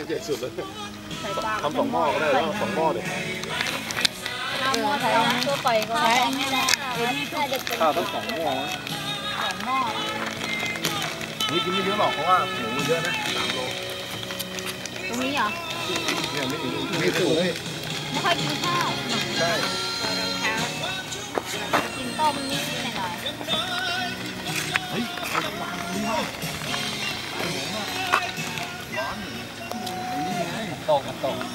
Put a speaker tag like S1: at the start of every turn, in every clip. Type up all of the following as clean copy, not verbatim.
S1: ใหญ่สุดเลยทำ2 หม้อก็ได้แล้ว2 หม้อเลย
S2: เอาหม้อใส่ตัวปล่อยก็ได้
S1: ข้าวต้อง2 หม้อ
S2: 2 หม้อ
S1: นี่กินไม่เยอะหรอกเพราะว่าหมูเยอะนะ3 โล
S2: ตรงนี้เหรอ
S1: เนี่ยไม่ถูกเลย
S2: ไม่ค่อยกินข้าว
S1: ใช่
S2: กินต้มนิดหน่อย
S1: เฮ้ยร้อนนี่ไงตกมันตก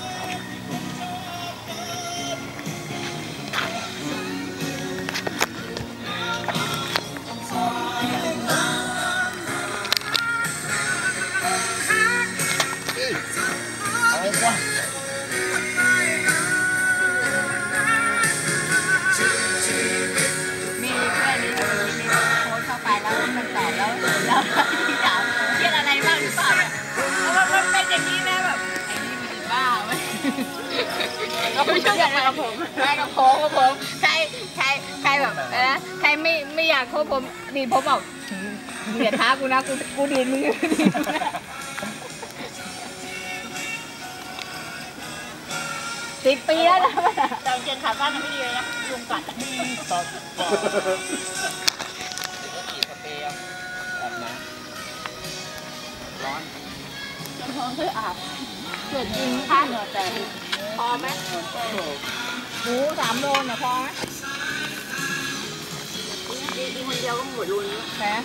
S2: ที่ถามเครียดอะไรบ้างหรือเปล่าเนี่ยมันเป็นอย่างนี้นะแบบไอ้นี่มันบ้าไหมเราไม่ชอบอะไรกับผมไม่กับผมใครแบบใครไม่อยากโค้ผมดีผมบอกเสียท้ากูนะกูดีมึง10 ปีแล้วนะแต่เจนขาสั้นไม่ดีเลยนะยุงกัด
S1: ต่อร้อน
S2: เพื่ออาบเกิดจริงท่านแต่พอไหมหมู3 โลเนี่ยพอไหมกินคนเดียวก็หมดรุนแค่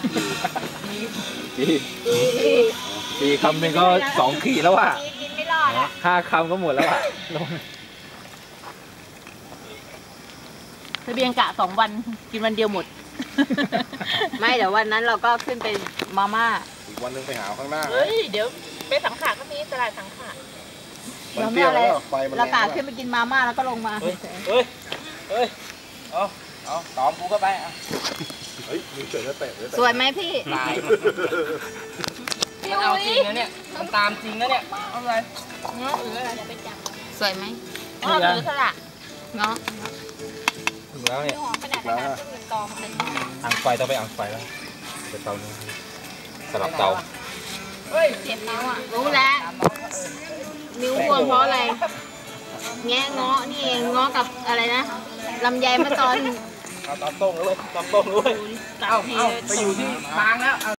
S1: ปีคำหนึ่งก็2 ขีดแล้วอ่ะ
S2: กินไม่รอด
S1: 5 คำก็หมดแล้วอ่ะ
S2: ทะเบียนกะ2 วันกินวันเดียวหมดไม่เดี๋ยววันนั้นเราก็ขึ้นไปมาม่า
S1: อีกวันนึงไปหาข้างหน้า
S2: เฮ้ยเดี๋ยวไปสังขารก็มีตลาดสังขารเราไม่อะไรเรากะขึ้นไปกินมาม่าแล้วก็ลงมา
S1: เฮ้ยเอาตอมกูก็ไปเฮ้ยมีเฉยแล้วเตะ
S2: สวยไหมพี่
S3: มันเอาจริงนะเนี่ยมันตามจริงนะเนี่ยเอาอะไร
S2: เงาะหรืออะไรไปจับสวยไหมเงาะหรือสละเงาะ
S1: ถึงแล้วเนี่ย
S2: แล้ว
S1: อ่างไฟต้องไปอ่างไฟแล้วไปเตานี้สลับเตา
S2: เฮ้ยเจ็บนิ้วอ่ะรู้แล้วนิ้วบวมเพราะอะไรแงะเงาะนี่เองเงาะกับอะไรนะลำไยมะตอน
S1: ตามต้งเลยตามต้งเลย
S3: เอาไปอยู่ที่บางแล้ว